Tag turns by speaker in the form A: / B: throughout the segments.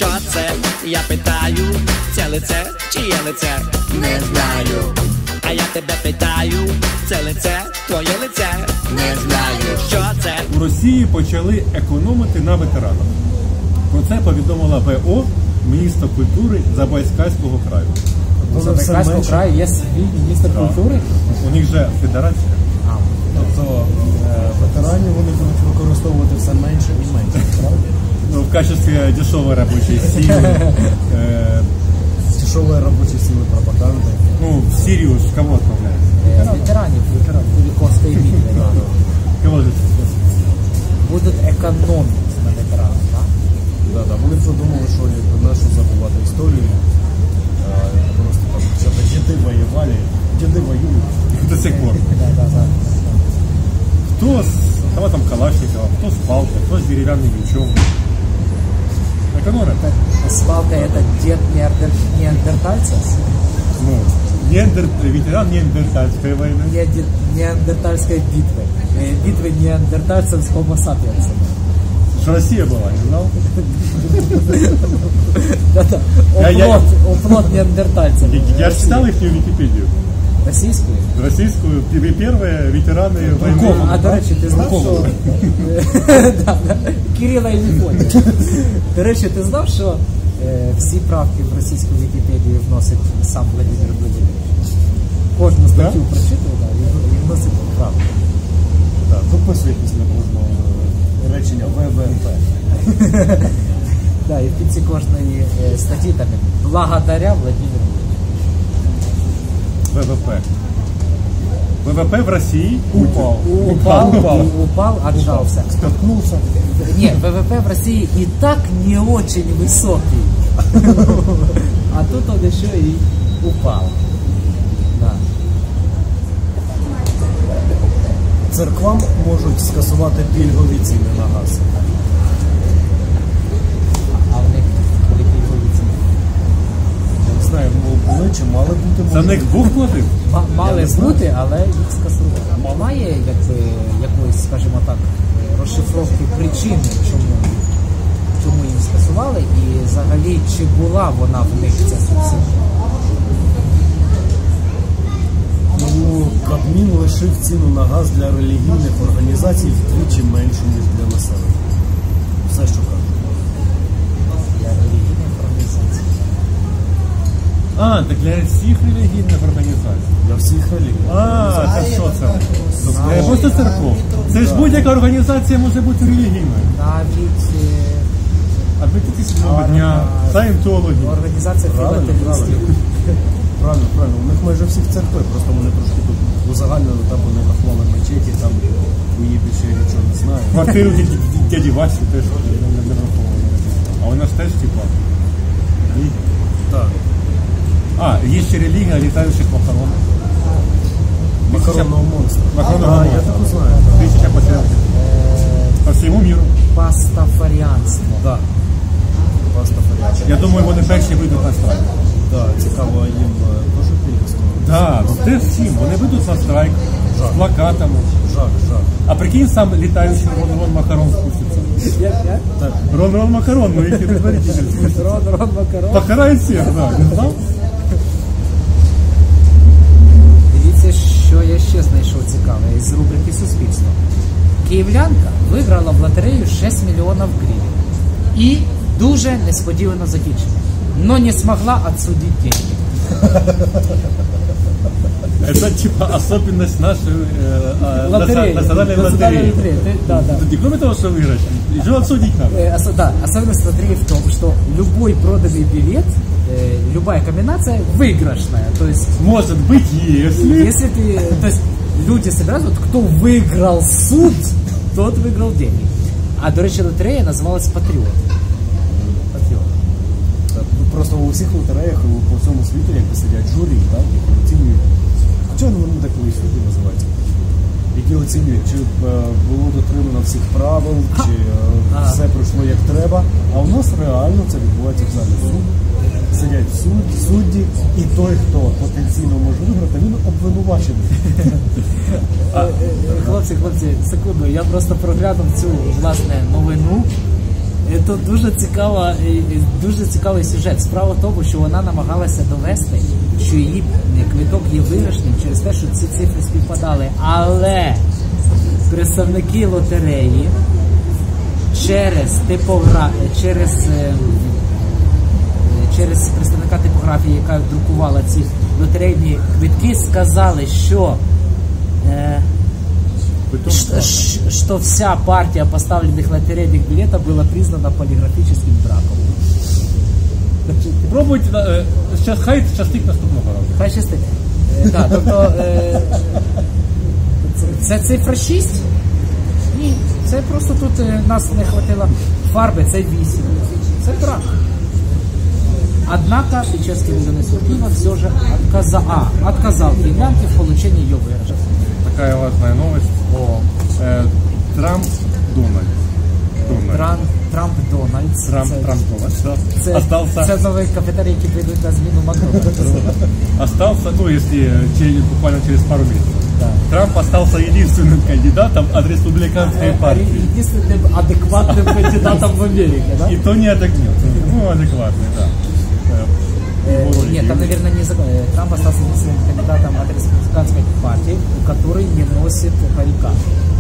A: Що це? Я питаю, це лице чи є лице? Не знаю. А я тебе питаю, це лице, твоє лице? Не знаю. Що це?
B: У Росії почали економити на ветеранах. Про це повідомила ВО, міністр культури Забайкальського краю.
C: У Забайкальського краю є свій міністр культури?
B: У них же федерація.
D: Тобто ветеранів вони будуть використовувати все менше і менше, правда?
B: Ну, в качестве дешевой рабочей силы.
D: Дешевые рабочие силы пропаганды.
B: Ну, в Сирию с кого отправляют?
C: Ветеранів Куликовської битви.
B: Кого же?
C: Будуть економити на ветеранах, так?
D: Да, вони подумали, що нашу забувати історію. Просто там, что-то деды воевали, деды воюют.
B: До сих пор. Кто с автоматом Калашникова, кто с палкой, кто с деревянным мечом. Экономят.
C: Свалка — это дед неандертальца?
B: Ну, ветеран неандертальской войны.
C: Неандертальской битвы. Битвы неандертальцев с хомо сапиенсом.
B: Что Россия была, не знал?
C: Да-да, оплот неандертальцев.
B: Я же читал их в Википедию.
C: Российскую?
B: Российскую. Первые ветераны войны.
C: А, до речі, ти знав, що... Кирила і Мефодія. До речі, ти знав, що всі правки в російську Вікіпедію вносить сам Владимир Владимирович? Кожну статтю прочитав, і вносить правки.
D: Виписуйтесь на кожного речення ВВП.
C: Так, і в кінці кожної статті там «Благодаря Владимиру Владимировичу».
B: ВВП. ВВП в России
C: Упал, отжался.
D: Споткнулся.
C: Нет, ВВП в России и так не очень высокий. А тут он еще и упал. Да.
D: Церквам можуть скасувати пільгові ціни на газ.
C: А в них були пільгові ціни?
D: Я не знаю, були чи мали бути.
B: За них Бог платив?
C: Мали бути, але їх скасували. Має якоїсь, скажімо так, розшифровки причини, чому їм скасували, і взагалі чи була вона в них ця субсидія?
D: Ну, Кабмін лишив ціну на газ для релігійних організацій вдвічі меншу, ніж для населення. Все, що кажуть.
C: Для релігійних організацій.
B: А, так для всіх релігійних організацій.
D: Для всіх релігій.
B: А, це що це? Це просто церков. Це ж будь-яка організація може бути релігійною.
C: Навіть
B: Адвентистського дня, саєнтологи.
C: Організація філателістів.
D: Правильно. У них майже всіх церкви, просто вони трошки тут узагальнили, там вони рахували мечеті, там у її більше я нічого не знаю.
B: Квартиру дяді Васі теж не рахували. А у нас теж типа.
D: Так.
B: А, є ще релігія літаючих макарон.
D: Макаронного монстра.
B: Макаронного
D: я таку знаю.
B: 1000 пацієнтів. По всьому міру.
C: Пастафаріанство.
D: Так. Пастафаріанство.
B: Я думаю, вони перші вийдуть на страйк.
D: Так, цікаво, їм теж пільговського.
B: Так, ну те всім. Вони вийдуть на страйк з плакатами.
D: Жах.
B: А прикинь, сам літаючий Рон Макарон спуститься.
C: Як?
D: Так.
B: Рон Макарон, ну які предваритель спуститься.
C: Рон Макарон.
B: Покарає всіх, так. Не знав?
C: Дивіться, що я ще знайшов цікаве із рубрики «Суспільство». Київлянка виграла в лотерею 6 мільйонів гривень. І дуже несподівано закінчення. Но не смогла отсудить деньги.
B: Это типа особенность нашей
C: Лотереи.
B: национальной лотереи.
C: Да.
B: Кроме того, что выиграть, еще отсудить надо.
C: Да, особенность лотереи в том, что любой проданный билет, любая комбинация выигрышная. То есть,
B: может быть, если
C: ты, то есть люди собираются, вот, кто выиграл суд, тот выиграл деньги. А, до речі, лотерея називалась «Патріот».
D: Просто у всіх лотереях по всьому світу, як сидять журі, так, які оцінюють. Хоча вони так і судді називаються. Які оцінюють, чи було дотримано всіх правил, чи все пройшло як треба. А у нас реально це відбувається в залі суду. Сидять судді, і той, хто потенційно може виграти, він обвинувачений.
C: Хлопці, секунду, я просто проглянув цю, власне, новину. Тут дуже цікавий сюжет. Справа в тому, що вона намагалася довести, що її квиток є виграшним через те, що ці цифри співпадали. Але представники лотереї через представника типографії, яка друкувала ці лотерейні квитки, сказали, що что вся партия поставленных лотерейных билетов была признана полиграфическим браком.
B: Пробуйте, хай щастить наступного разу.
C: Хай щастить. Так, тобто, це цифра 6? Ні, це просто тут нас не хватило фарби, це 8. Це брак. Однако Печерский районный суд Киева все же отказал киевлянке в получении ее выигрыша.
B: Такая важная новость. Трамп Дональд.
C: Трамп Дональд.
B: Остался.
C: Це новий кафетерій, який прийдуть на зміну Макрона.
B: Остался, ну если буквально через пару месяцев.
C: Да.
B: Трамп остался единственным кандидатом от республиканской партии.
C: Единственным адекватным кандидатом в Америке, да?
B: И то не отогнет. Ну, адекватный, да.
C: Нет, там, наверное, не закон. Трамп остался единственным кандидатом от республиканской партии, который не носит парика.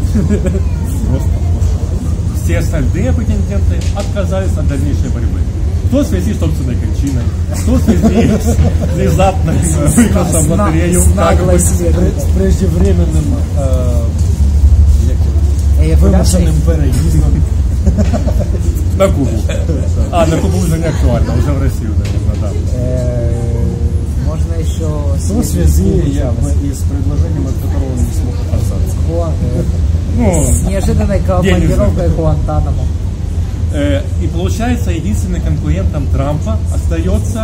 B: Все остальные претенденты отказались от дальнейшей борьбы. Кто в связи с собственной кончиной, кто в связи с внезапным выигрышем в лотерею,
D: с преждевременным вымышленным переездом
B: на Кубу. На Кубу уже не актуально, уже в Россию, наверное, да.
C: Можно еще...
D: В связи и с предложением, от которого не смог отказаться.
C: С неожиданной командировкой Гуантанамо.
B: И получается, единственным конкурентом Трампа остается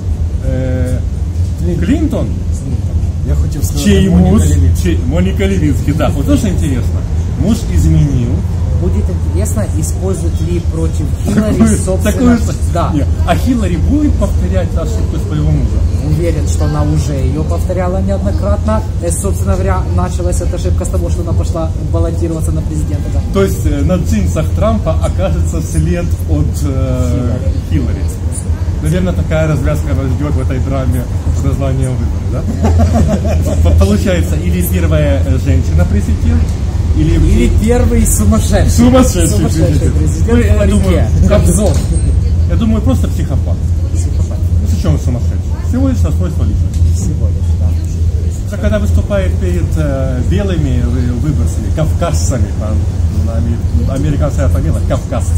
B: Клинтон.
D: Я хотел сказать,
B: чей муж, Моника Левински. Да, вот тоже интересно. Муж изменил.
C: Будет интересно, используют ли против Хиллари собственно...
B: Да. А Хиллари будет повторять ошибку своего мужа?
C: Уверен, что она уже ее повторяла неоднократно. Собственно говоря, началась эта ошибка с того, что она пошла баллотироваться на президента. Да.
B: То есть на джинсах Трампа окажется след от Хиллари. Наверное, такая развязка нас ждет в этой драме с названием «Выборы», да? Получается, или первая женщина-президент, или
C: первый сумасшедший президент Кобзон.
B: Я думаю, просто психопат. Ну, с чем он сумасшедший? Всего лишь расстройство личности.
C: Всего лишь, да.
B: Когда выступает перед белыми выборцами, кавказцами, американская фамилия, кавказцы.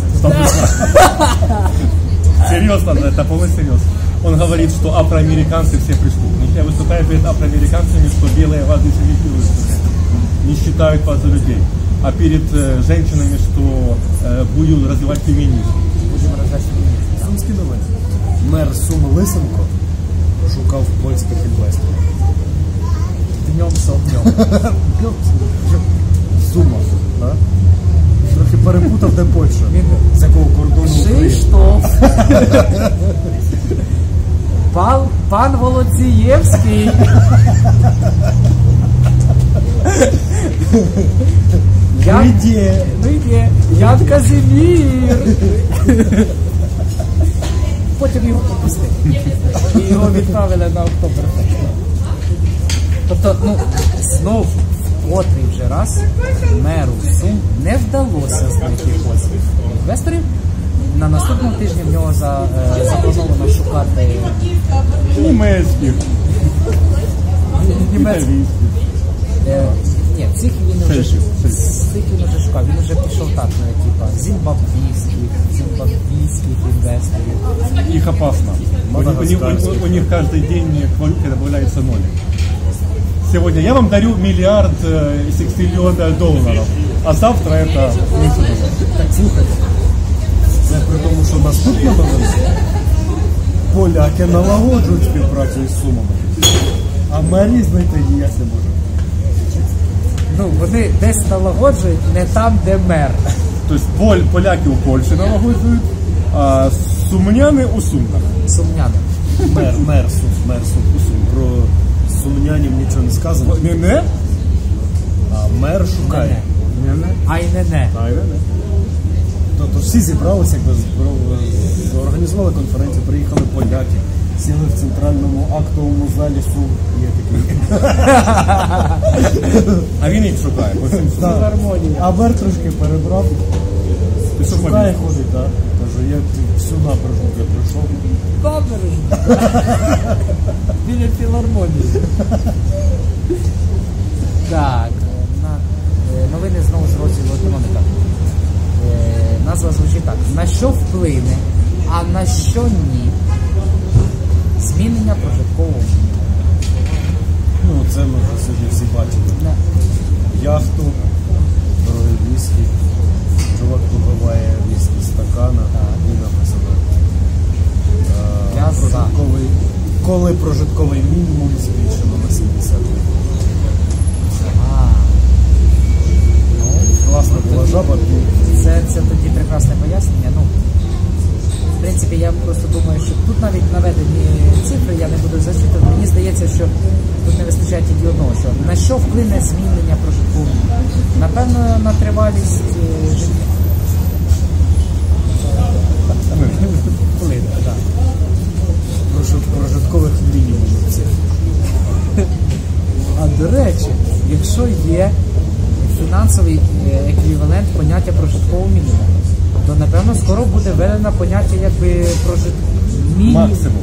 B: Серьезно, это полный серьез. Он говорит, что афроамериканцы все преступники. Я выступаю перед афроамериканцами, что белые вас дискредитируют, не считают вас за людей. А перед женщинами, что будут развивать феминизм.
C: Будем развивать феминизм.
D: Сумські новини. Мер Сум Лисенко шукав польських інвесторів.
C: Днем со днем.
D: Сума, так? Трохи перепутав, де Польща. З якого кордону України.
C: Що? Пан Волоцієвський. Ян Казимір. Потім його попустили. І його відправили на Октоберфест. Тобто, знов котрий вже раз меру Сум не вдалося знайти польських інвесторів. На наступному тижні в нього заплановано шукати
B: німецьких.
C: Ні, цих він вже шукав. Він вже пішов так, типа зимбабвійських інвесторів.
B: Их опасно. У них каждый день к валюте добавляется нолик. Сегодня я вам дарю $1 миллиард $60 миллионов, а завтра это $1 миллион.
D: Так, слухайте, це при тому, що наступна новина. Поляки налагоджують співпрацю із Сумами, а мерії знайти ніяк не можуть.
C: Вони десь налагоджують, не там, де мер.
B: Тобто поляки у Польщі налагоджують, а сумняни у Сумках.
C: Сумняни.
D: Мер Сум у Сум. Про сумнянів нічого не сказано.
B: Не?
D: А мер шукає.
C: Ай не.
D: Тобто всі зібралися, організували конференцію, приїхали поляки, сіли в центральному актовому залі суд. Є такий.
B: А він їх шукає. по всім судам.
C: Філармонія.
D: А Бер трошки перебрав.
B: Ти що
D: Шукає,
B: помітив?
D: ходить, так. Каже, я всю набережну вже пройшов.
C: Біля філармонії. Так, новини знову з розділу економіка. Назва звучить так. На що вплине, а на що ні? Змінення прожиткового мінімуму.
D: Ну, це ми вже сьогодні всі бачили. Яхту, дорогі віскі, чувак випиває віскі з стакана і написано
C: Я за.
D: коли прожитковий мінімум збільшено на 70 гривень. Класна була жаба.
C: Це тоді прекрасне пояснення. Ну, в принципі, я просто думаю, що тут навіть наведені цифри, я не буду зачитувати. Мені здається, що тут не вистачає тільки одного, що на що вплине змінення прожиткового мінімуму? Напевно, на тривалість життя. Вплине, так.
D: Прожиткових мінімумів цих.
C: А до речі, якщо є фінансовий еквівалент поняття прожиткового мінімуму, то напевно скоро буде введено поняття якби
B: Максимум.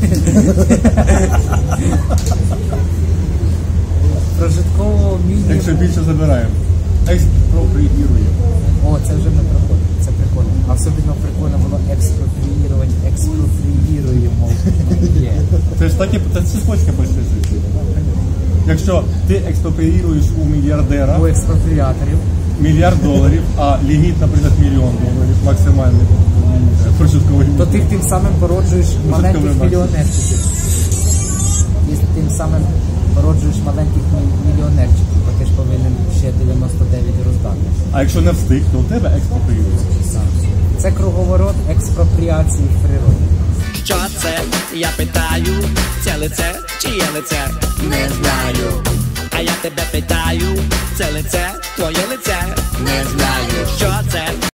C: прожиткового мінімуму.
B: Якщо більше забираємо. Експроприюємо.
C: О, це вже не прикольно, це прикольно. А особливо прикольно було експроприювати, експроприюємо. Є.
B: Це ж такі, це цепочка працює. Якщо ти експроприюєш у мільярдера
C: У експропріаторів.
B: $1 мільярд, а ліміт, наприклад, $1 мільйон максимальний прожитковий
C: То
B: мінімум.
C: ти тим самим породжуєш маленьких
B: максимум.
C: мільйонерчиків. І тим самим породжуєш маленьких мільйонерчиків, то ти ж повинен ще 99 роздати.
B: А якщо не встиг, то у тебе експроприюється.
C: Це круговорот експропріації в природі.
A: Що це? Я питаю, це лице чи є лице? Не знаю. А я тебе питаю, це лице, твоє лице? Не знаю. Що це?